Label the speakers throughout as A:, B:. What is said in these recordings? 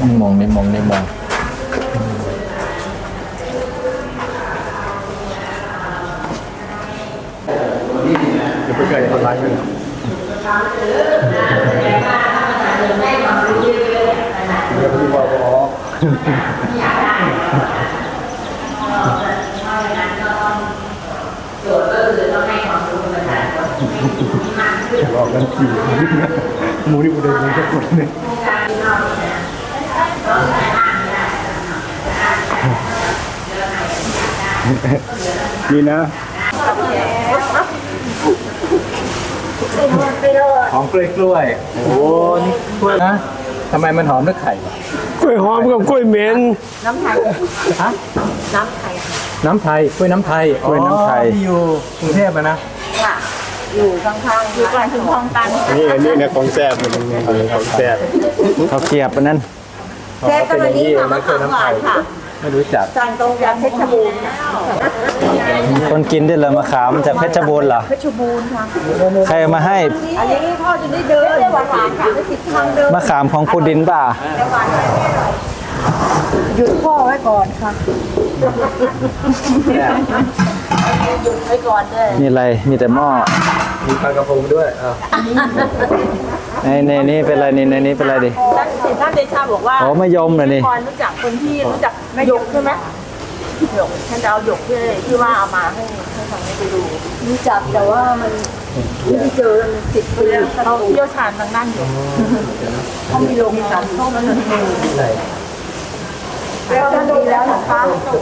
A: มองในมองในมองเดี๋ยวไปไกลออนไลน์เลยเดี๋ยวพี่บอกอ๋อ
B: โจทย์ก็คือต้องให้ความรู้ประชาชน
A: บอกกันสี่หมูนี่กูเดินเลยแค่คนนึงนี่นะหอมกล้วยโอ้โหนี่กล้วยนะทำไมมันหอมด้วยไข่
C: กล้วยหอมกับกล้วยเหม็น
B: น้ำไทยฮะน้ำไทย
A: น้ำไทยกล้วยน้ำไทยกล้วยน้ำไทยที่อยู่กรุงเทพนะ
B: ค่ะอยู่ข้างๆอยู่ก่อนถึงคลองตัน
A: นี่นะของแซ่บมันของแซ่บเขาเกียบอันนั้น
B: แซ่บกันวันนี้ค่ะมะขามหวานค่ะ
A: ไม่รู้จัก
B: สั่งตรงจากเพชรบูรณ์
D: คนกินได้เลยมะขามจากเพชรบูรณ์เหรอ
B: เพชรบูรณ์ค่ะ
D: ใครมาให้
B: อันนี้พ่อจะได้เดินได้หวานๆค่ะไม่ติดทางเดิน
D: มะขามของคุณดินป่ะ
B: หยุดพ่อไว้ก่อนค่ะหยุดไว้ก่อนเลย
D: มีอะไรมีแต่หม้อ
A: มีปลากระพงด้วย
D: ในนี้เป็นอะไรในนี้เป็นอะไรดิ
B: ท่านเดชาบอกว่า
D: โอ้มะยมเลยนี่
B: รู้จักคนที่รู้จักหยกใช่ไหมหยกท่านจะเอาหยกที่ว่าเอามาให้ฟังให้ไปดูรู้จักแต่ว่ามันไม่ได้เจอมัน10 ปีเขาเชี่ยวชาญทางด้านหยกเขามีโรงงานเขามันแล้วดีแล้วนะคะ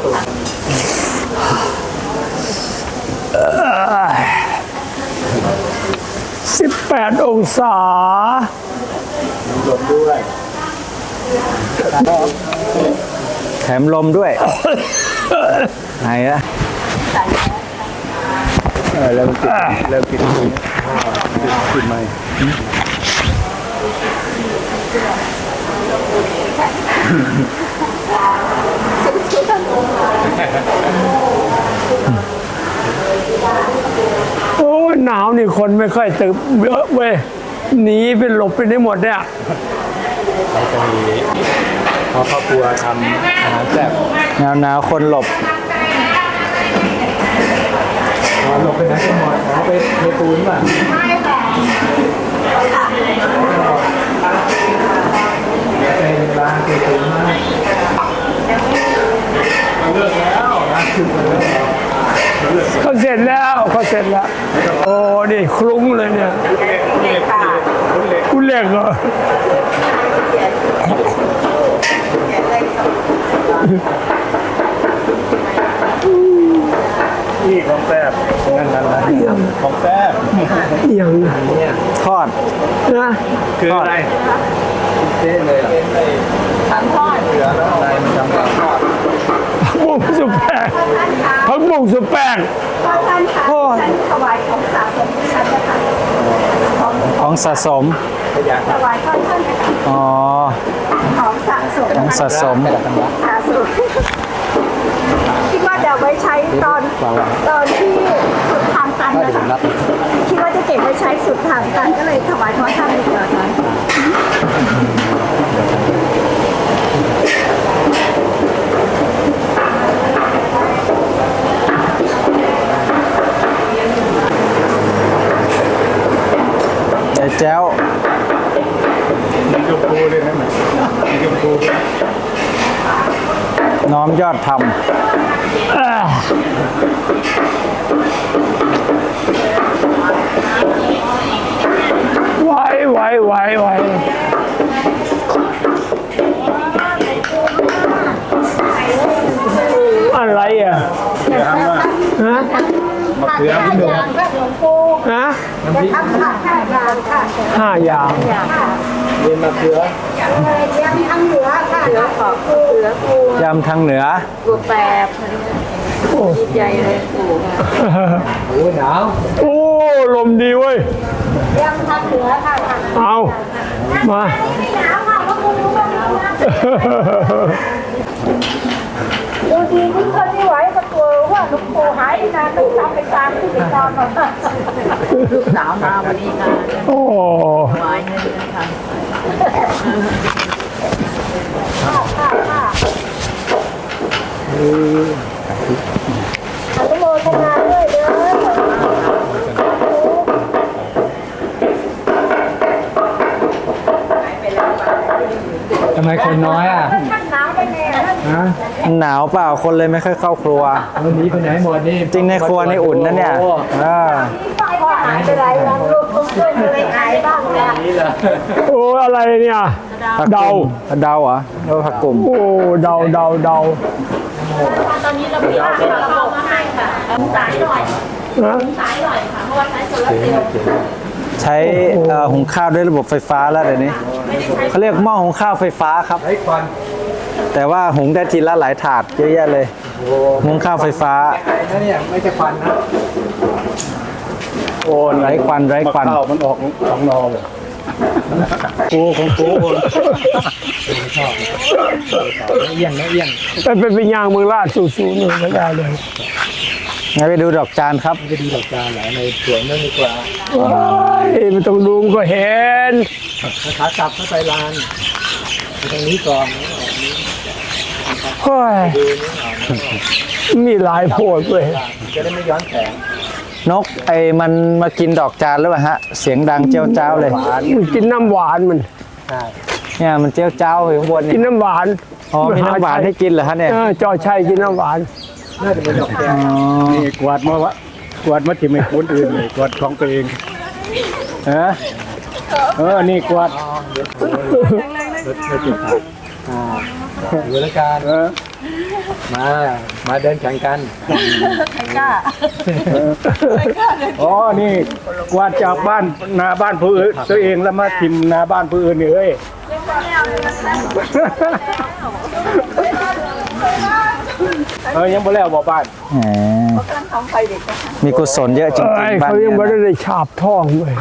C: 18 องศา
A: ลมด้วย
D: แถมลมด้วยไหนอะ
A: แล้วกินแล้วกินกินไหม
C: โอ้หนาวนี่คนไม่ค่อยตื่นเยอะเว้ยหนีไปหลบไปได้หมดเนี่ย
A: เราจะมีครอบครัวทำอาหารแซ่บ
D: หนาวคนหลบ
A: หลบไปไหนกันหมดไปเทปูนป่ะไม่ค่ะเป็นร้านเทปูนมากเลิกแล้วนะคือ
C: เขาเสร็จแล้วโอ้นี่คลุ้งเลยเนี่ยคุณเล็กเหรอ
A: นี่ของแซ่บนั่นของแซ่บ
C: อย่าง
D: ทอด
C: นะ
A: คืออะไรเจ๊เลย
B: ทำทอด
A: เหลืออะไรมันทำทอด
C: ผักบุ้งสุดแปลกผักบุ้งสุดแปลก
B: ท่านค่ะท่านถวายของสะสมที่ฉันนะคะ
D: ของสะสม
B: ถวายท่าน
D: อ๋อ
B: ของสะสม
D: ของสะสม
B: คิดว่าจะไว้ใช้ตอนที่สุดทางตันนะคะคิดว่าจะเก็บไว้ใช้สุดทางตันก็เลยถวายพระท่านดีกว่าค่ะ
D: แจ้ว
A: มีกระปูเลยนะมีกระปู
D: น้อมยอดธรรม
C: ไหวอะไรอ่ะฮะ
A: มะเขือพี่หนุ่ม
C: ฮะ5 อย่าง
A: เรียนมะเขือย
B: ำทางเหนือค่ะเหนือขอบเหนือปู
D: ยำทางเหนือ
B: ปูแปบดีใจเลยปู
A: โอ้หนาว
C: โอ้ลมดีเว้ย
B: ยำทางเหนือค่ะ
C: เอามา
B: ไม่หนาวค่ะว่าปูรู้บ้างดูดีที่คนไม่ไหวก็กลัวว่าลูกปูหายนานต้องทำไปตามที่ไปนอนลูกสาวมาวันนี้นะ
C: โอ้
B: หวายเงินนะคะอนุโมทนาด้วยเด้อ
A: ทำไมคนน้อยอ่ะ
B: ท่านน้ำไปแน่
A: ฮะ
D: หนาวเปล่าคนเลยไม่ค่อยเข้าครัว
A: วันนี้ไปไหนหมดนี่
D: จริงในครัวนี่อุ่นนะเนี่ย
A: โอ้
B: พ่อหายไปหลายวันลูกต้องช่วยอะไรหายบ้างเนี่ย
A: นี่เหรอ
C: โอ้อะไรเนี่ย เดา
D: เดาเหรอเดาผักกลุ่ม
C: โอ้เดา
B: ตอนนี้เรามีระบบมาให้ค่ะสายหน่อย
C: นะ
B: สายหน่อยค่ะ เพราะว่าใช้โซลาร์เซลล์
D: ใช้หุงข้าวด้วยระบบไฟฟ้าแล้วเดี๋ยวนี้เขาเรียกหม้อหุงข้าวไฟฟ้าครับ
A: ไอ้ควัน
D: แต่ว่าหุงได้ทีละหลายถาดเยอะแยะเลยหุงข้าวไฟฟ้า
A: ไอ้นั่นเนี่ยไม่ใช่ควันนะ
D: โอ้ไร้ควันไร้ควัน
A: ข้าวมันออกของนอเลยกูของกูชอบเอี้ยงนะเอี้ยง
C: เป็นยางเมืองราชสูงๆเลยไม่ได้เลย
D: งั้นไปดูดอกจานครับ
A: ไปดูดอกจานเหรอในสวนนั่นดีกว่า
C: ไม่ต้องดูมันก็เห็น
A: ขากลับเข้าไปลานไปตรงนี้ก่อน
C: เฮ้ยมีหลายโพดเลย
A: จะได้ไม่ย้อนแสง
D: นกมันมากินดอกจานหรือเปล่าฮะ เสียงดังเจ้าเจ้าเลย
C: มันกินน้ำหวานมัน
A: ใช่
D: เนี่ยมันเจ้าเจ้าอยู่ข้างบน
C: กิ
D: นี่
C: นน้ำหวาน
D: อ๋อมีน้ำหวานให้กินเหรอฮะเนี่ย
C: จอชัยกินน้ำหวาน
A: น่าจะเป็นดอกแดงนี่กวาดมาวะกวาดมาที่ไม่คนอื่นเลยกวาดของตัวเองนี่กวาดรถจิตอยู่แล้วกันมาเดินแข่งกัน
B: ใครกล้า
A: อ๋อนี่กวาดจากบ้านนาบ้านผู้อื่นตัวเองแล้วมาทิมนาบ้านผู้อื่นนี่เอ้ยยังบ่แล้วบ่บ้าน
D: แหม
B: กำลังทำไฟเด็กนะคะ
D: มีกุศลเยอะจริง
C: ไอ้
D: ๆบ้าน
C: เขายังไม่
D: เนี่ยนะ
C: ได้ฉาบท่องเลย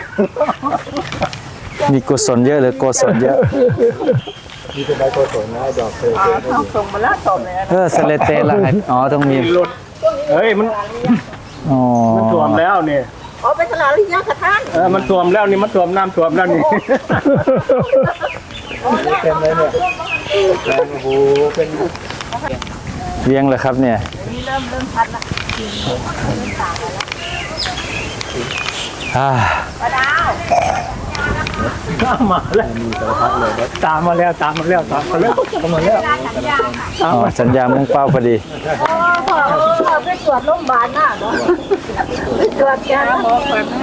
D: มีกุศลเยอะหรือโกศลเยอะ
A: มีเป็นใบโกศลนะดอกเคย
B: ต้องส่งมาแล้วส่งเลยนะ
D: สเลเตล่ะอ๋อต้องมี
A: รถเฮ้ยมัน
D: อ๋อ
A: ท่วมแล้วเนี่ย
B: อ๋อเป็นตลาดลิยาค่ะท่าน
A: มันท่วมแล้วนี่มันท่วมน้ำท่วมแล้วนี่เต็มเลยเนี่ยแรงโอ้โหเป็น
D: เลี้ยงเลยครับเนี่ย
B: นี่เริ่มชัดละ
D: อ่า
B: ปลาดาว
A: มาแล้วมีสารพัดเลยตามมาแล้วตามมาแล้วตามมาแล้วตามมาแล้ว
B: สัญญาค่ะ
D: อ๋อสัญญามุ่งเป้าพอดี
B: อ๋อพอไปตรวจโรงพยาบาลน่ะเนาะไปตรวจยาหมอเปิดให้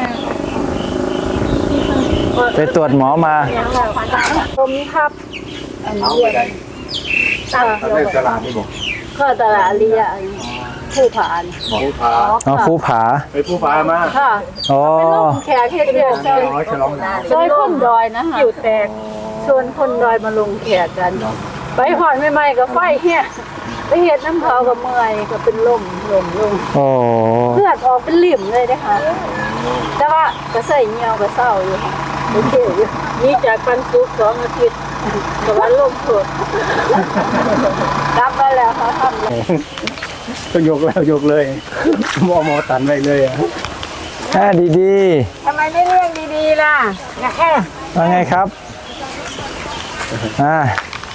D: ไปตรวจหมอมา
B: ผมครับอันนี้ตั้ง
A: ในตลาดนี่บอก
B: ก็ตลาดลิยาผู้ผ่าน
A: ผู้พา
D: อ๋อภูผา
A: ไปผู้พามา
B: ค่ะ
D: อ๋อ
B: แขกที่เดียวซอย
A: ฉลองหนาว
B: ซอยคนดอยนะคะอยู่แตกชวนคนดอยมาลงแขกกัน ไปหอนใหม่ๆกับไฟเฮียไปเห็ดน้ำเขากับเมื่อยก็เป็นลม
D: โอ้
B: เลือดออกเป็นลิ่มเลยนะคะแต่ว่าก็ใส่เงียวก็เศร้าอยู่ค่ะโอเคอยู่นี่จากปันสุก2 อาทิตย์แต่ว่าลมสดรับมาแล้วเขาทำเลย
A: ต้องยกแล้วยกเลยหมอตันไว้เลยอ่ะ
D: แค่ดี
B: ทำไมไม่เลี้ยงดีๆล่ะแค่
D: ๆว่าไงครับอ่า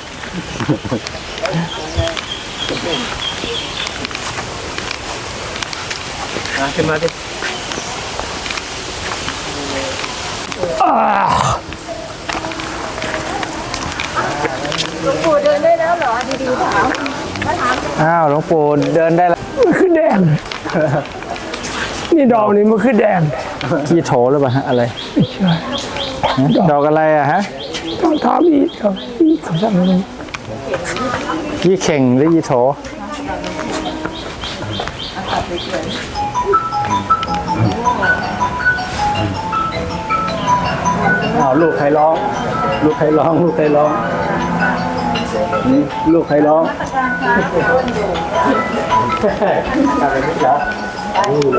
A: ขึ้นมาดิ
B: หลวงปู่เดินได้แล้วเหรอดีๆถามมาถาม
D: อ้าวหลวงปู่เดินได้แล้ว
C: มันคือแดง นี่ดอกนี่มันคือแดง
D: ขี้โถหรือเปล่าฮะอะไร
C: ไม่ใช่
D: ฮะดอกอะไรอะฮะ
C: ต้องถามอีกครับอีกคำสั่งนึง
D: ยี่เข่งหรือยี่โถ
A: ลูกใครร้องลูกใครร้องลูกใครร้องนี่ลูกใครร้องอะไรไม่ร้อง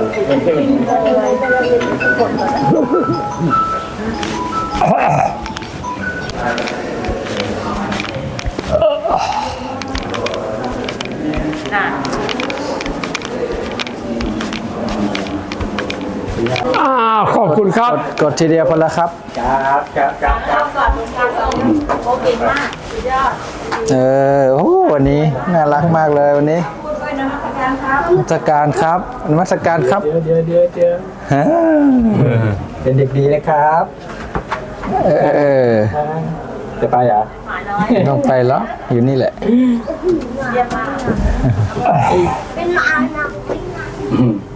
C: คุณครับ
D: กดทีเดียวพอแล้วครับ
A: ครับครับครับ
B: เข้าก่อนลุงการส่งโอเคมากสุดยอด
D: โอ้วันนี้น่ารักมากเลยวันนี้
B: พูดด้วยนะอาจารย์ครับ
D: นมัสการครับนมัสการครับ
A: เดี๋ยว
D: ฮะ
A: เป็นเด็กดีนะครับ
D: เออ
A: จะไปเหรอ
B: หมาน้อย
D: ไม่ต้องไปแล้วอยู่นี่แหละ
B: เยี่ยมมาก
E: เป็นหมาหนัก